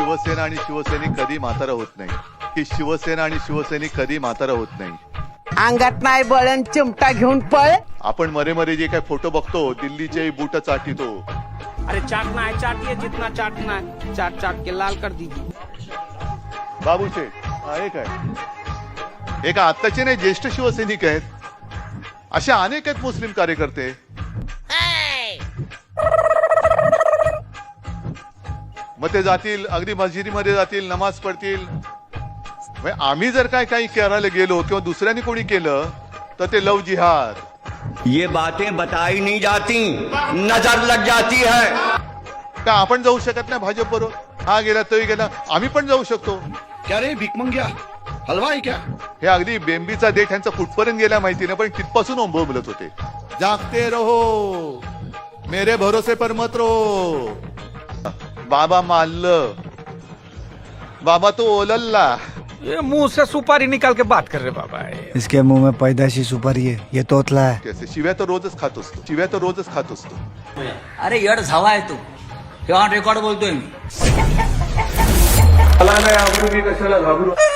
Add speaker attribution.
Speaker 1: शिवसेना आणि शिवसैनिक कधी म्हातारा होत नाही, की शिवसेना आणि शिवसैनिक कधी म्हातारा होत नाही.
Speaker 2: अंगात नाही बळण चिमटा घेऊन पळ.
Speaker 1: आपण मरे मरे जे काय फोटो बघतो, दिल्लीचे बूट चाटितो.
Speaker 3: अरे चाटना है चाटिए, जितना चाटना है चाट चाट के लाल कर दीजिए.
Speaker 1: बाबू शेठ हे काय, एक आत्ताचे नाही ज्येष्ठ शिवसैनिक आहेत, असे अनेक आहेत मुस्लिम कार्यकर्ते. मग ते जातील अगदी मस्जिदीमध्ये जातील, नमाज पडतील. आम्ही जर काय काही करायला गेलो किंवा दुसऱ्याने कोणी केलं तर ते लव जिहाद.
Speaker 4: ये बातें बताई नहीं जाती, नजर लग जाती है.
Speaker 1: का आपण जाऊ शकत नाही भाजप बरोबर? हा गेला तोही गेला, आम्ही पण जाऊ शकतो.
Speaker 5: क्या रे भिकमंग्या, हलवा आहे क्या?
Speaker 1: हे अगदी बेंबीचा देठ यांचा कुठपर्यंत गेला माहिती नाही, पण तिथपासून बोलत होते. जागते रहो, मेरे भरोसे पर मत रहो. बाबा मारलं, बाबा तो ओलल्ला.
Speaker 6: ये मुंह से सुपारी निकाल के बात कर रहे बाबा.
Speaker 7: इसके मुंह में पैदाशी सुपारी है, ये तोतला है.
Speaker 1: कैसे शिव्या तर रोजच खात असतो, शिव्या तर रोजच खात असतो.
Speaker 8: अरे येड झावा आहे तू, हे ऑन रेकॉर्ड बोलतोय मी.
Speaker 1: मला नाही आवडू, मी कशाला घाबरू.